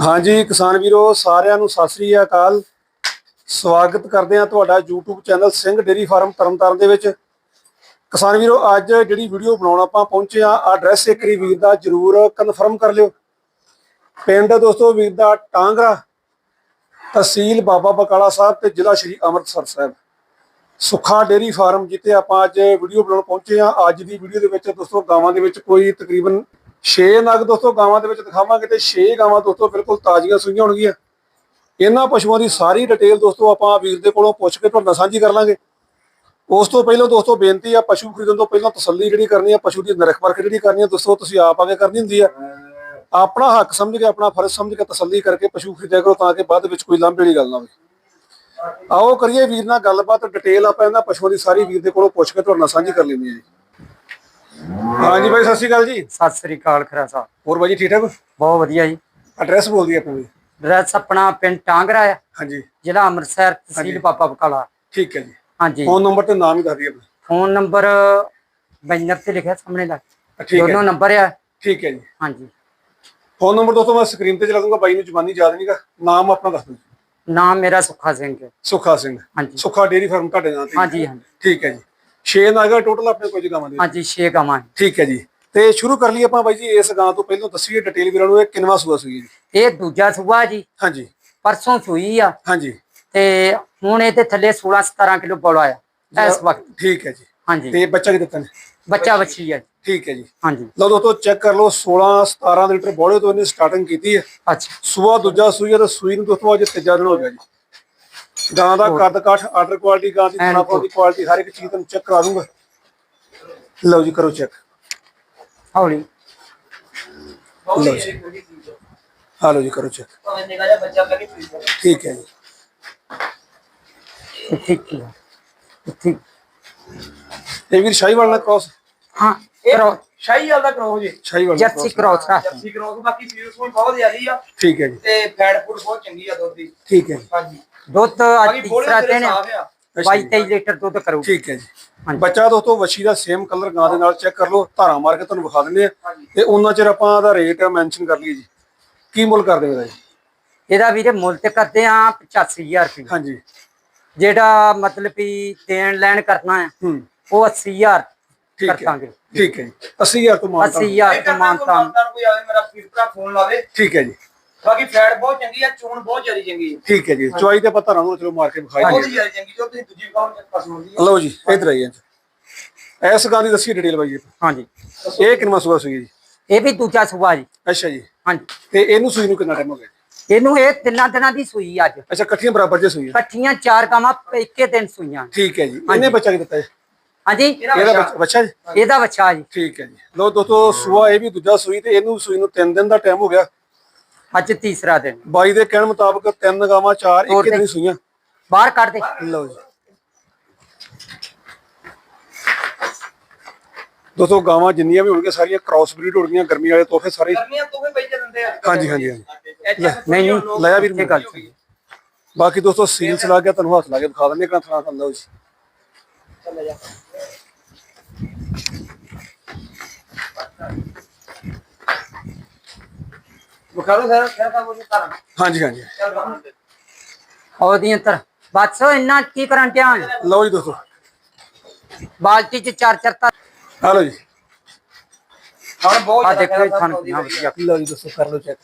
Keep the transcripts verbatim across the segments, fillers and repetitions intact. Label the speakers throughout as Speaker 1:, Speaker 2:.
Speaker 1: हाँ जी किसान वीरो सारिਆਂ ਨੂੰ ਸਤਿ ਸ੍ਰੀ ਅਕਾਲ। ਸਵਾਗਤ ਕਰਦੇ ਹਾਂ ਤੁਹਾਡਾ YouTube channel Singh dairy farm Tarn Taran ਦੇ ਵਿੱਚ। ਕਿਸਾਨ ਵੀਰੋ ਅੱਜ ਜਿਹੜੀ ਵੀਡੀਓ ਬਣਾਉਣ ਆਪਾਂ ਪਹੁੰਚੇ ਆ ਐਡਰੈਸ ਇੱਕ ਵਾਰੀ ਵੀਰ ਦਾ ਜ਼ਰੂਰ ਕਨਫਰਮ ਕਰ ਲਿਓ। ਪਿੰਡ ਦੋਸਤੋ ਵੀਰ ਦਾ ਟਾਂਗਰਾ, ਤਹਿਸੀਲ ਬਾਬਾ ਬਕਾਲਾ ਸਾਹਿਬ ਤੇ ਜ਼ਿਲ੍ਹਾ ਸ਼੍ਰੀ ਅੰਮ੍ਰਿਤਸਰ ਸਾਹਿਬ। ਸੁੱਖਾ ਡੇਰੀ ਫਾਰਮ ਜਿੱਥੇ ਆਪਾਂ ਅੱਜ ਵੀਡੀਓ ਬਣਾਉਣ ਪਹੁੰਚੇ ਆ। ਅੱਜ ਦੀ ਵੀਡੀਓ ਦੇ ਵਿੱਚ ਦੋਸਤੋ ਗਾਵਾਂ ਦੇ ਵਿੱਚ ਕੋਈ ਤਕਰੀਬਨ ਛੇ ਨਗ ਦੋਸਤੋ ਗਾਵਾਂ ਦੇ ਵਿੱਚ ਦਿਖਾਵਾਂਗੇ ਤੇ ਛੇ ਗਾਵਾਂ ਦੋਸਤੋ ਬਿਲਕੁਲ ਤਾਜ਼ੀਆਂ ਸੂਈਆਂ ਹੋਣਗੀਆਂ। ਇਹਨਾਂ ਪਸ਼ੂਆਂ ਦੀ ਸਾਰੀ ਡਿਟੇਲ ਦੋਸਤੋ ਆਪਾਂ ਵੀਰ ਦੇ ਕੋਲੋਂ ਪੁੱਛ ਕੇ ਤੁਹਾਡੇ ਨਾਲ ਸਾਂਝੀ ਕਰ ਲਾਂਗੇ। ਉਸ ਤੋਂ ਪਹਿਲਾਂ ਦੋਸਤੋ ਬੇਨਤੀ ਆ, ਪਸ਼ੂ ਖਰੀਦਣ ਤੋਂ ਪਹਿਲਾਂ ਤਸੱਲੀ ਜਿਹੜੀ ਕਰਨੀ ਆ, ਪਸ਼ੂ ਦੀ ਨਿਰਖ ਪਰਖ ਜਿਹੜੀ ਕਰਨੀ ਆ ਦੋਸਤੋ ਤੁਸੀਂ ਆਪ ਆਗੇ ਕਰਨੀ ਹੁੰਦੀ ਆ। ਆਪਣਾ ਹੱਕ ਸਮਝ ਕੇ, ਆਪਣਾ ਫਰਜ਼ ਸਮਝ ਕੇ ਤਸੱਲੀ ਕਰਕੇ ਪਸ਼ੂ ਖਰੀਦਿਆ ਕਰੋ ਤਾਂ ਕਿ ਬਾਅਦ ਵਿੱਚ ਕੋਈ ਲਾਂਭੇ ਵਾਲੀ ਗੱਲ ਨਾ ਹੋਵੇ। ਆਓ ਕਰੀਏ ਵੀਰ ਨਾਲ ਗੱਲਬਾਤ, ਡਿਟੇਲ ਆਪਾਂ ਇਹਨਾਂ ਪਸ਼ੂਆਂ ਦੀ ਸਾਰੀ ਵੀਰ ਦੇ ਕੋਲੋਂ ਪੁੱਛ ਕੇ ਤੁਹਾਡੇ ਨਾਲ ਸਾਂਝੀ ਕਰ ਲੈਂਦੇ ਆ ਜੀ। हाँ जी भाई सत श्री अकाल जी।
Speaker 2: सत श्री अकाल खरा साहब।
Speaker 1: और भाई जी ठीक ठाक?
Speaker 2: बहुत वधिया जी।
Speaker 1: एड्रैस बोल दिया अपना?
Speaker 2: एड्रैस अपना पिंड टांगरा है।
Speaker 1: हाँ जी।
Speaker 2: जिला अमृतसर, तहसील बाबा बकाला।
Speaker 1: ठीक है जी।
Speaker 2: हाँ जी।
Speaker 1: फोन नंबर तो नाम ही दस दिया।
Speaker 2: फोन नंबर बैनर से लिखा सामने लग,
Speaker 1: दोनों
Speaker 2: नंबर है।
Speaker 1: ठीक है जी।
Speaker 2: हाँ जी।
Speaker 1: फोन नंबर दोस्तों मैं स्क्रीन पे चला दूंगा, भाई ने जुबानी याद नहीं का। नाम अपना दस दो।
Speaker 2: नाम मेरा सुखा सिंह है।
Speaker 1: सुखा सिंह।
Speaker 2: हाँ जी।
Speaker 1: सुखा डेयरी फार्म ਤੁਹਾਡੇ नाम
Speaker 2: हाँ जी। हाँ जी।
Speaker 1: ठीक है जी। छे नागा टोटल अपने कोई गावां दे?
Speaker 2: हाँ जी छे गावां।
Speaker 1: ठीक है जी। ਤੇ ਸ਼ੁਰੂ ਕਰ ਲਈਏ ਆਪਾਂ ਬਾਈ ਜੀ ਇਸ ਗਾਂ ਤੋਂ। ਪਹਿਲਾਂ ਦੱਸੀਏ ਡਿਟੇਲ ਵੀਰਾਂ ਨੂੰ, ਇਹ ਕਿੰਨਵਾਂ ਸੂਆ ਸੂਈ ਜੀ?
Speaker 2: ਇਹ ਦੂਜਾ ਸੂਆ ਜੀ।
Speaker 1: ਹਾਂਜੀ।
Speaker 2: ਪਰਸੋਂ ਸੂਈ ਆ।
Speaker 1: ਹਾਂਜੀ।
Speaker 2: ਤੇ ਹੁਣ ਇਹਦੇ ਥੱਲੇ ਸੋਲਾਂ ਸਤਾਰਾਂ ਕਿਲੋ ਬੋਲਾ ਆ ਇਸ ਵਕਤ।
Speaker 1: ਠੀਕ ਹੈ ਜੀ।
Speaker 2: ਹਾਂਜੀ।
Speaker 1: ਤੇ ਬੱਚਾ ਕੀ ਦਿੱਤਾ ਨੇ?
Speaker 2: ਬੱਚਾ ਬੱਚੀ ਆ।
Speaker 1: ਠੀਕ ਹੈ ਜੀ।
Speaker 2: ਹਾਂਜੀ।
Speaker 1: ਲਓ ਦੋਸਤੋ ਚੈੱਕ ਕਰ ਲਓ, ਸੋਲਾਂ ਸਤਾਰਾਂ ਲੀਟਰ ਬੋਲੇ ਤੋਂ ਇਹਨੇ ਸਟਾਰਟਿੰਗ ਕੀਤੀ ਹੈ।
Speaker 2: ਅੱਛਾ।
Speaker 1: ਸੂਆ ਦੂਜਾ ਸੂਈ ਤੇ ਸੂਈ ਨੂੰ ਦੋਸਤੋ ਅੱਜ ਤੀਜਾ ਦਿਨ ਹੋ ਗਿਆ ਜੀ। ਗਾਂ ਦਾ ਕੱਦ ਕਾਠ, ਆਰਡਰ ਕੁਆਲਿਟੀ, ਗਾਂ ਦੀ ਖਾਣਾ ਦੀ ਕੁਆਲਿਟੀ, ਹਰ ਇੱਕ ਚੀਜ਼ ਤੁਹਾਨੂੰ ਚੈੱਕ ਕਰਾ ਦੂੰਗਾ। ਲਓ ਜੀ ਕਰੋ ਚੈੱਕ
Speaker 2: ਹੌਲੀ।
Speaker 1: लो जी, हाँ लो जी करो चेक। ठीक है जी।
Speaker 2: ठीक है। ठीक।
Speaker 1: ये वीर शाहीवाल ना क्रॉस?
Speaker 2: हाँ क्रॉस।
Speaker 3: शाहीवाल दा क्रॉस जी।
Speaker 1: शाहीवाल
Speaker 2: जर्सी क्रॉस है।
Speaker 3: जर्सी क्रॉस बाकी सीरीज कोई बहुत ज्यादा है।
Speaker 1: ठीक है जी।
Speaker 3: ते फैट फूड बहुत चंगी है दूध दी।
Speaker 1: ठीक है जी।
Speaker 3: हां जी।
Speaker 2: दूध आज तीसरा दिन है। बाईस तेईस लीटर दूध करो।
Speaker 1: ठीक है जी। ਬੱਚਾ ਦੋਸਤੋ ਵੱਛੀ ਦਾ ਸੇਮ ਕਲਰ ਗਾਂ ਦੇ ਨਾਲ ਚੈੱਕ ਕਰ ਲਓ। ਧਾਰਾਂ ਮਾਰ ਕੇ ਤੁਹਾਨੂੰ ਵਿਖਾ ਦਿੰਦੇ ਆ ਤੇ ਉਹਨਾਂ ਚਿਰ ਆਪਾਂ ਦਾ ਰੇਟ ਮੈਂਸ਼ਨ ਕਰ ਲਈਏ ਜੀ। ਕੀ ਮੁੱਲ ਕਰਦੇ ਹੋ ਜੀ?
Speaker 2: ਇਹਦਾ ਵੀਰੇ ਮੁੱਲ ਤੇ ਕਰਦੇ ਆ ਪਚਾਸੀ ਹਜ਼ਾਰ ਰੁਪਏ।
Speaker 1: ਹਾਂਜੀ।
Speaker 2: ਜਿਹੜਾ ਮਤਲਬ ਵੀ ਦੇਣ ਲੈਣ ਕਰਨਾ ਹੈ
Speaker 1: ਹੂੰ
Speaker 2: ਉਹ अस्सी ਹਜ਼ਾਰ
Speaker 1: ਠੀਕ
Speaker 2: ਕਰਾਂਗੇ।
Speaker 1: ਠੀਕ ਹੈ ਜੀ। अस्सी ਹਜ਼ਾਰ ਤੋਂ ਮਾਨਤਾ।
Speaker 2: अस्सी ਹਜ਼ਾਰ ਤੋਂ ਮਾਨਤਾ।
Speaker 3: ਕੋਈ ਆਵੇ ਮੇਰਾ ਵੀਰ ਭਰਾ ਫੋਨ ਲਾਵੇ।
Speaker 1: ਠੀਕ ਹੈ ਜੀ।
Speaker 3: ਬਾਕੀ ਫੈਟ ਬਹੁਤ ਚੰਗੀ ਹੈ, ਚੋਣ ਬਹੁਤ ਜ਼ਿਆਦਾ ਚੰਗੀ ਹੈ।
Speaker 1: ਠੀਕ ਹੈ ਜੀ। ਚੁਆਈ ਤੇ ਆਪਾਂ ਧਾਰਾਂ ਨੂੰ ਚਲੋ ਮਾਰ ਕੇ ਵਿਖਾਈ
Speaker 3: ਬਹੁਤ ਜ਼ਿਆਦਾ ਚੰਗੀ, ਜੋ ਤੁਸੀਂ ਦੂਜੀ ਖਾਓ ਪਸੰਦ ਹੁੰਦੀ।
Speaker 1: ਲਓ ਜੀ ਇਧਰ ਆਈਏ। ਇਸ ਗਾਂ ਦੀ ਦੱਸੀ ਡਿਟੇਲ ਬਾਈ ਜੀ।
Speaker 2: ਹਾਂਜੀ।
Speaker 1: ਇਹ ਕਿੰਨਾ ਸੂਆ ਸੂਈ ਜੀ?
Speaker 2: ਇਹ ਵੀ ਦੂਜਾ ਸੂਆ ਜੀ।
Speaker 1: ਅੱਛਾ ਜੀ।
Speaker 2: ਹਾਂਜੀ।
Speaker 1: ਤੇ ਇਹਨੂੰ ਸੂਈ ਨੂੰ ਕਿੰਨਾ ਟਾਈਮ ਹੋ ਗਿਆ?
Speaker 2: ਇਹਨੂੰ ਇਹ ਤਿੰਨਾਂ ਦਿਨਾਂ ਦੀ ਸੂਈ ਅੱਜ।
Speaker 1: ਅੱਛਾ, ਇਕੱਠੀਆਂ ਬਰਾਬਰ ਜੇ ਸੂਈ?
Speaker 2: ਇਕੱਠੀਆਂ ਚਾਰ ਗਾਵਾਂ ਇੱਕੇ ਦਿਨ ਸੂਈਆਂ।
Speaker 1: ਠੀਕ ਹੈ ਜੀ। ਇਹਨੇ ਬੱਚਾ ਕੀ ਦਿੱਤਾ ਜੀ?
Speaker 2: ਹਾਂਜੀ।
Speaker 1: ਇਹਦਾ ਬੱਚਾ ਜੀ?
Speaker 2: ਇਹਦਾ ਬੱਚਾ ਜੀ।
Speaker 1: ਠੀਕ ਹੈ ਜੀ। ਲੋ ਦੋਸਤੋ ਸੂਆ ਇਹ ਵੀ ਦੂਜਾ ਸੂਈ ਤੇ ਇਹਨੂੰ ਸੂਈ ਨੂੰ ਤਿੰਨ ਦਿਨ ਦਾ ਟਾਈਮ ਹੋ ਗਿਆ।
Speaker 2: ਅੱਜ ਤੀਸਰਾ ਦਿਨ।
Speaker 1: ਬਾਈ ਦੇ ਕਹਿਣ ਮੁਤਾਬਕ ਤਿੰਨ ਗਾਵਾਂ ਚਾਰ ਇੱਕੇ ਦਿਨ ਸੂਈਆਂ।
Speaker 2: ਬਾਹਰ ਕੱਢ ਦੇ।
Speaker 1: ਲਓ ਜੀ ਦੋਸਤੋ ਗਾਵਾਂ ਜਿੰਨੀਆਂ ਵੀ ਹੋਣਗੀਆਂ ਸਾਰੀਆਂ ਕ੍ਰਾਸ ਬਰੀਡ ਹੋਣਗੀਆਂ। ਗਰਮੀ ਵਾਲੇ ਤੋਹਫੇ ਸਾਰੇ
Speaker 3: ਗਰਮੀਆਂ ਤੋਹਫੇ ਪਈ ਦਿੰਦੇ ਆ।
Speaker 1: ਹਾਂਜੀ ਹਾਂਜੀ ਹਾਂਜੀ।
Speaker 2: ਨਹੀਂ ਨਹੀਂ
Speaker 1: ਲਾਇਆ ਵੀਰ
Speaker 2: ਇਹ ਗੱਲ।
Speaker 1: ਬਾਕੀ ਦੋਸਤੋ ਸੀਲਸ ਲੱਗ ਗਿਆ, ਤੁਹਾਨੂੰ ਹੱਥ ਲਾ ਕੇ ਦਿਖਾ ਦਿੰਦੇ ਕਿੰਨਾ ਥਾਂ ਥਾਂ। ਲਓ ਜੀ
Speaker 3: ਚੱਲ ਜਾ। ਬੁਖਾਰੋ ਸਰ ਕਿਆ ਕੰਮ ਉਹ ਕਰ।
Speaker 1: ਹਾਂਜੀ ਹਾਂਜੀ।
Speaker 2: ਉਹਦੀਆਂ ਤਰ ਬਸ ਇੰਨਾ ਕੀ ਕਰਨ ਟਿਆ।
Speaker 1: ਲਓ ਜੀ ਦੋਸਤੋ
Speaker 2: ਬਾਲਟੀ ਚ ਚਾਰ ਚਾਰ ਤਾਂ।
Speaker 1: ਆ ਲਓ ਜੀ।
Speaker 3: ਹੁਣ ਬਹੁਤ
Speaker 2: ਆ
Speaker 3: ਜ਼ਿਆਦਾ
Speaker 2: ਦੇਖੋ ਖਾਣ ਪੀਣਾ ਵਧੀਆ।
Speaker 1: ਲਓ ਜੀ ਦੋਸਤੋ ਕਰ ਲਓ ਚੈੱਕ।